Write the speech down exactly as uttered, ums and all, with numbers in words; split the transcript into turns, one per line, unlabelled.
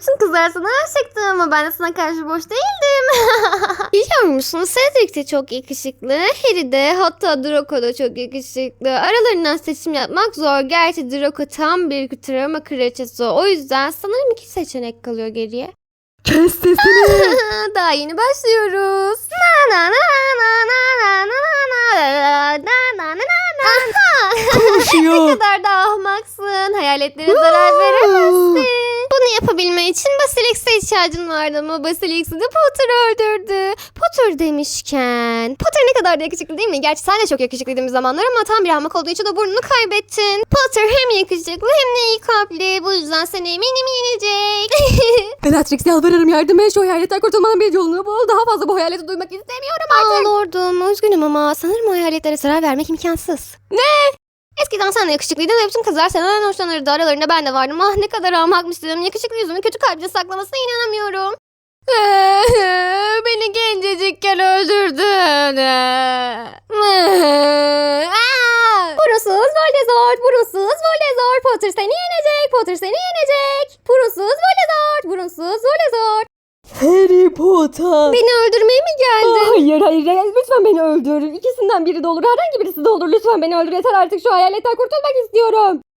bütün kızlar sana aşıktı ama ben de sana karşı boş değildim. Biliyor musun? Cedric de çok yakışıklı. Harry de, hatta Draco da çok yakışıklı. Aralarından seçim yapmak zor. Gerçi Draco tam bir travma kraliçesi. O yüzden sanırım iki seçenek kalıyor geriye.
Kes sesini.
Daha yeni başlıyoruz. Na na na na na na na na na na na.
Konuşuyor.
Ne kadar da ahmaksın. Hayaletlere zarar veremezsin. Bunu yapabilmen için Basilix'e ihtiyacın vardı ama Basilix'i de Potter öldürdü. Potter demişken. Potter ne kadar da yakışıklı değil mi? Gerçi sen de çok yakışıklıydın bir zamanlar ama tam bir ahmak olduğu için o burnunu kaybettin. Potter hem yakışıklı hem de iyi kalpli. Bu yüzden seni eminim yenecek.
Bellatrix yalvarırım yardım et. Şu hayaletten kurtulmanın bir yolunu bul. Daha fazla bu hayaleti duymak istemiyorum artık.
Aa lordum, üzgünüm ama sanırım o hayaletlere zarar vermek imkansız. Ne? Eskiden sen de yakışıklıydın ve bütün kızlar senden hoşlanırdı. Aralarında ben de vardım. Ah ne kadar ahmakmıştım. Yakışıklı yüzünü kötü kalpte saklamasına inanamıyorum. Beni gencecikken öldürdün. Purusuz Voldemort, purusuz Voldemort. Potter seni yenecek, Potter seni yenecek. Purusuz Voldemort, purusuz Voldemort.
Harry Potter.
Beni öldürmeye mi geldin?
Hayır hayır hayır. Lütfen beni öldür. İkisinden biri de olur. Herhangi birisi de olur. Lütfen beni öldür. Yeter artık, şu hayaletten kurtulmak istiyorum.